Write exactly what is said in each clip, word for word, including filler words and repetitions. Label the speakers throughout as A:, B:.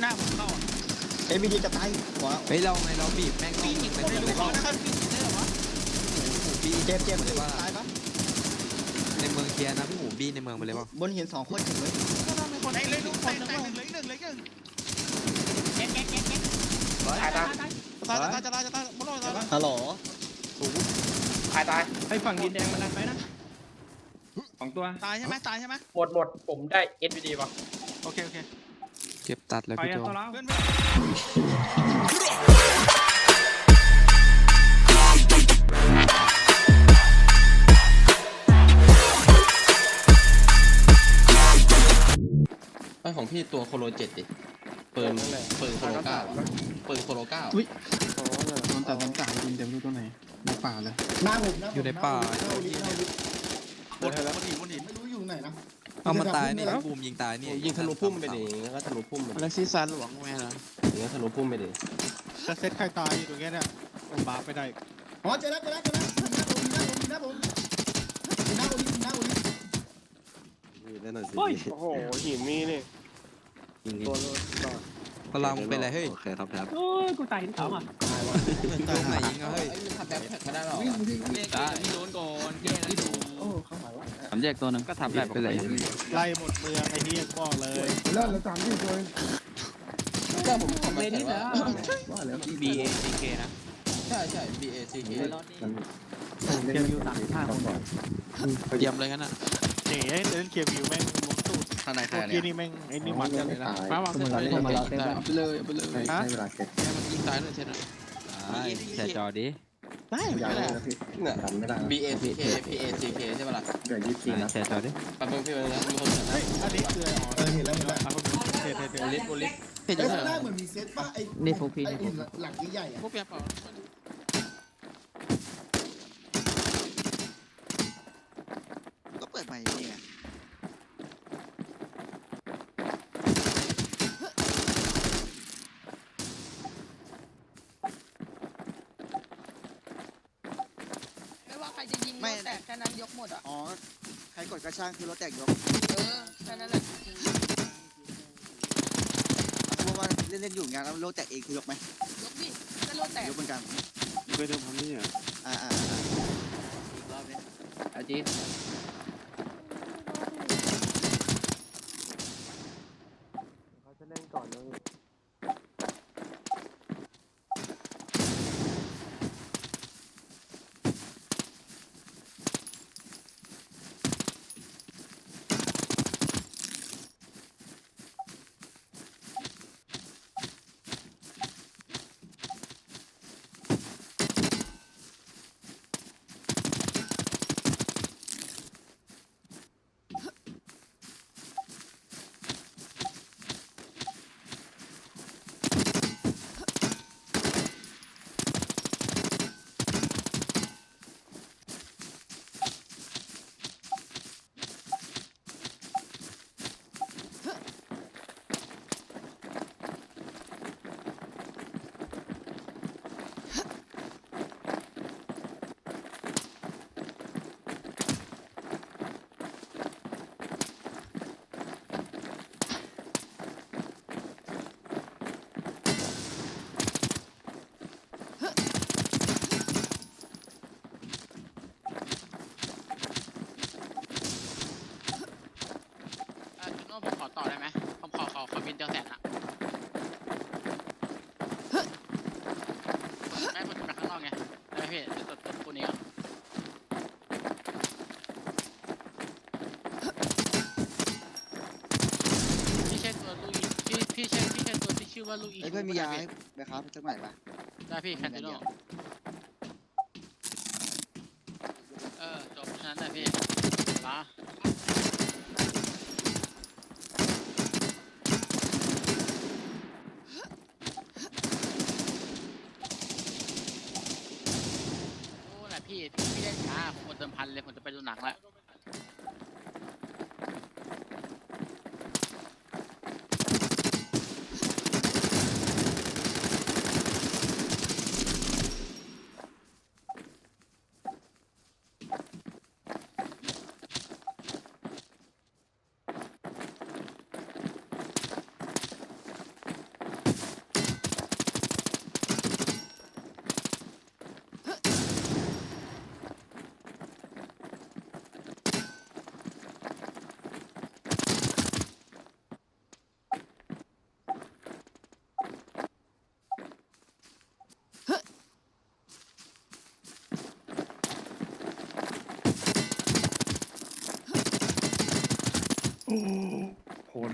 A: าผมเข้า
B: เอ็มบีดีจะตายหัว
C: เฮ้ยเราไงเราบีบแม่ง
A: ปียิงไม่รู้เขานะครับปียิงได้หรอวะ
C: บี
B: เจ็บเจ็บเลยว่าตายปะ
C: ในเมืองเคลียร์นะพี่หมูบีในเมืองไปเลยป่ะ
B: บนหินสองคนถึงเลย
A: ก็ต้องมีคนในเลยลูกคนหนึ่งเลยหนึ่งเลยหนึ่งเก๊กเก๊กเก๊กเก๊กตายตายตายตายจะตายจะตายมุดลงตายปะ
B: ฮัลโหล
D: ตายตาย
E: ไอ้ฝั่งดินแดงมันดันไปนะสองตัว
A: ตายใช่ไหมตายใช่ไหม
D: หมดหมดผมได้ เอส วี ดี ป่ะ
A: โอเคโอเค
C: เก็บตัดเลยพี่โจ
A: เพื่อน
F: ไอของพี่ตัวโคโลเจ็ดดิปืนปืนโคโลเก้าปืนโคโลเก้า
G: อุ้ยนอนแต่น้ำตาดินเต็มรู้ตัวไหนในป่าเลย
B: หน้าผม
C: อยู่ในป่า
A: บนหินบนหิน
B: ไม่รู้อยู่ไหนนะ
C: เอามาตายนี่บูมยิงตายนี่
F: ยิงทะลุพุ่มไปดิงั้นก็ทะลุพุ่มไป
G: แล้วซีซันหลวงแม่ละ
F: อย่างนั้นทะลุพุ่มไปดิ
E: จะเซตใครตายอยู่ตรงนี้เนี่ยผมบาร์ไปได้
B: อ๋อเจอแล้วเจอแล้วเจอแล้วหน้าผมหน้าผมหน้าผมหน้าผมหน้าผม
F: เล่นหน่อยสิ
E: โอ้โหหินมีนี่
F: ตัว
C: พลังเป็นไรเฮ้ย
F: โอเคครับครับ
E: โอ้ยกูตายที่เขาอ่ะ
C: ตายไหนยิงเฮ้ย
F: ทำแบบแท็กไม่ได้หรอ
C: ได้พี่โดนก่อนแย่นะดู
B: โอ้เข้าหมายว่า
C: สามแยกตัวนึงก็ทำแบบไปเลย
E: ไล่หมดเมืองไอ้นี่บอกเลย
B: เลิศแล้วสามที่ตัว
F: ก็ผมทำแบบนี้แล้ว
C: ว่าแล้ว B A C K นะ
F: ใช่ใช่ B A C K
C: เตรียมอยู่สามห้าคนก่อนเตรียมเลยงั้นอ่ะ
E: นี่เล่นเกียร์วิวแม่งลงตูด
F: ข้างในใคร
E: เนี่ยกี้นี่แม่งไอ้นี่มันกันเลยนะมาวางเส้นเลย
C: ไปเลยไปเลยฮะมันยิงตายเลยเช่นอ่ะแชร์จอดิ
E: ได้ไม่ได้
F: เนี่ยไม่ได้ B A C K P A C K ใช่ป่ะล่ะ
C: เดี๋ยวยี่สิบนะแชร์จอดิ
F: แป๊บนึงพี่นะมีคนเห็นนะ
E: อันนี้คือ
B: เออเห็นแล้วเห็นแล้ว
E: เห็นเห็นเห็น
F: โอลิฟโอลิฟ
B: เห็นแล้วเหมือนมีเซตป่ะไอ้
C: นี่พวกพี่นี่พวก
B: หลังใหญ่ๆอ่ะ
A: พวกเปียเปล่าก็เปิดใหม่นี่ไง
H: ไม่แตกแค่นั้นยกหมดอ่ะ
A: อ๋อใครกดกระช่างคือรถแตกยก
H: เออแค่นั้นแหละ
A: เพราะว่าเล่นๆอยู่งานแล้วรถแตกเองคือยกไหม
H: ยกดิก็รถแตก
A: ยกเหมือนกัน
G: เคยทำทำนี่อ่ะ
A: อ่าอ่าอีกรอบนึง
C: อาจี
G: เขาจะเล่นก่อนเลย
A: ผมขอต่อได้ไหมผมขอขอขอบินเดียวแสนอะได้ผมจะไปข้างนอกไงได้ไหมพี่จะตัวตัวตัวนี้อ่ะพี่ใช่ตัวลูกอีพี่พี่ใช่พี่ใช่ตัวที่ชื่อว่าลูกอีไอ้เพื่อนมียาไหมครับจังไหนปะได้พี่แคนดิโนเออจบฉะนั้นแหละพี่มาพี่พี่เล่นช้าผมกดเติมพันเลยผมจะไปดูหนังแล้ว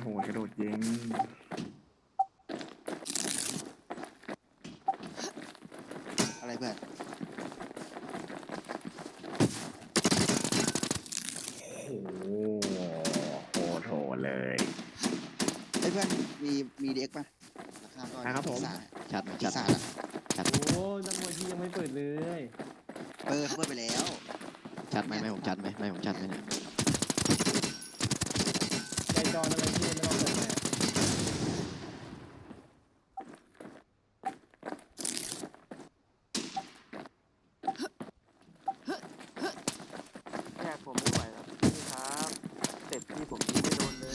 G: หกระโดดยิง
A: อะไรเพื่อน
G: โอ้โหโหดโหดเลย
A: เฮ้ยเพื่อนมีมีเด็กป่ะราคาก็
G: ครับผม
C: ชัด
A: ปี
C: ชัด
A: ศาจอะ
I: โอ้นักมวยที่ยังไม่เปิดเลย
A: เออเขาเปิดไปแล้ว
C: ชัดไหมไม่ผมชัดไหมไม่ผมชัดไหมเนี่ย
I: ใจจอนอะไรที่ไม่ต้องเปิดเลย
E: แยกผมไม่ไหวแล้วพี่ครับเต็ปที่ผมยิงไม่โดนเลย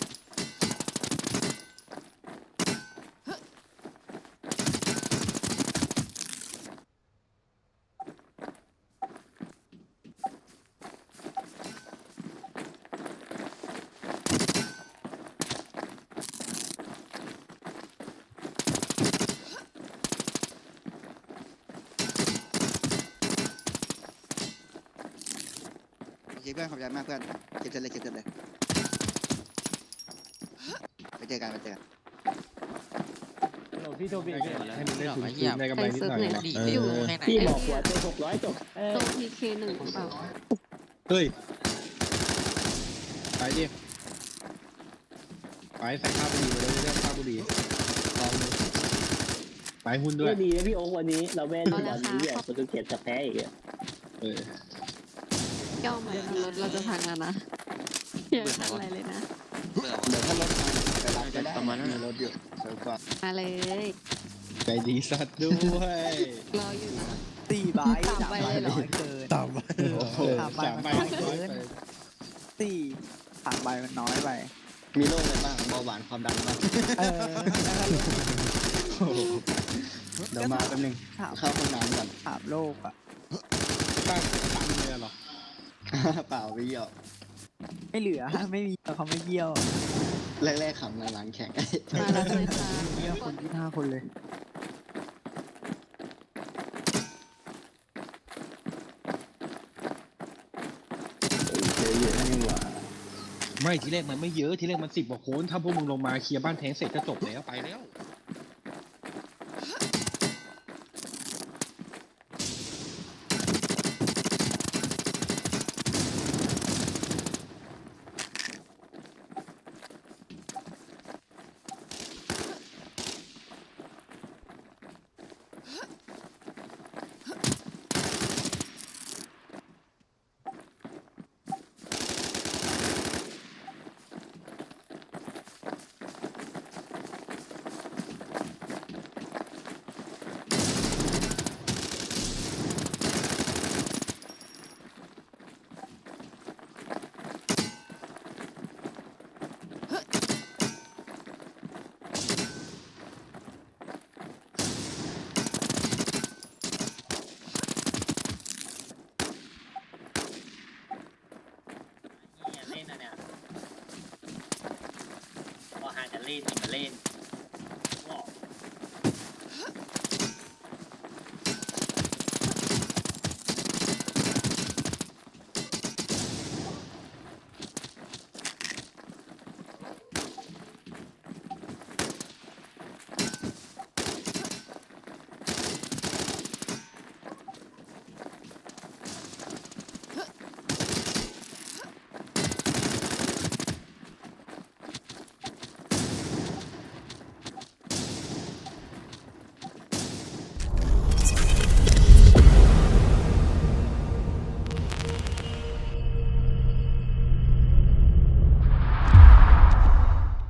A: โอเคเพื่อนขอบใจมากเพื่อนเก็บเสร็จเลยเก็บเสร็จเลยไปเจอกันไปเจอกัน
I: โอ้พี่โทบี้
C: ให้มันเล่นถึงคืนได้
J: ไปเซิร์ฟไหน
C: ดี
J: อยู่
I: พี่บอกหัวเจอหกร้อยจบเออ
J: ตรงพีเคหนึ่งหรือเปล่า
F: เฮ้ยไปดิไปใส่ข้าวบุหรี่ไปเลยเรื่องข้าวบุหรี่ลองดูไปหุ้นด้วย
I: ดีนะพี่โอ๊ควันนี้เราแม่นวันนี้เนี่ยโปรตุเกสจะแพ้อีก
F: เออย่
J: อมารถเราจะพังแล้วนะอย่าทำอะไรเลยนะ
A: เดี๋ยวถ้ารถมาไปรับก็ได้
G: ประมาณนั้นรถเยอะเซิร์ฟก่อน
J: มาเลย
F: ใจดีสัตว์ด้วย
J: รออยู่นะ
E: สี่ใบ
J: สามใบเลยเหรอ
E: เกิน
G: ต่ำไป
F: โอ้โหสามใบร้อยไป
E: สี่สามใบมันน้อยไป
G: มีโรคอะไรบ้างเบาหวานความดันบ้าง
E: เออ
G: เดี๋ยวมาแป๊บนึง
E: ถาม
G: เข้าห้องน้ำก่อน
E: ถามโลกอ่ะ
F: ตั้งตั้งเลยเหรอ
G: เปล่าวิว
E: ไม่เหลือไม่มีเขาไม่เยี่ยว
G: แรกๆขำหลังๆแข็ง
J: มาแล้วเลยค่ะ
E: เยี่ยวคนที่ห้าคนเลย
G: เยอะๆนี่หว่า
F: ไม่ทีแรกมันไม่เยอะทีแรกมันสิบกว่าคนถ้าพวกมึงลงมาเคลียร์บ้านแทงเสร็จก็จบแล้วไปแล้ว
I: เล่นนะเนี่ยพอหาจะเล่นมาเล่น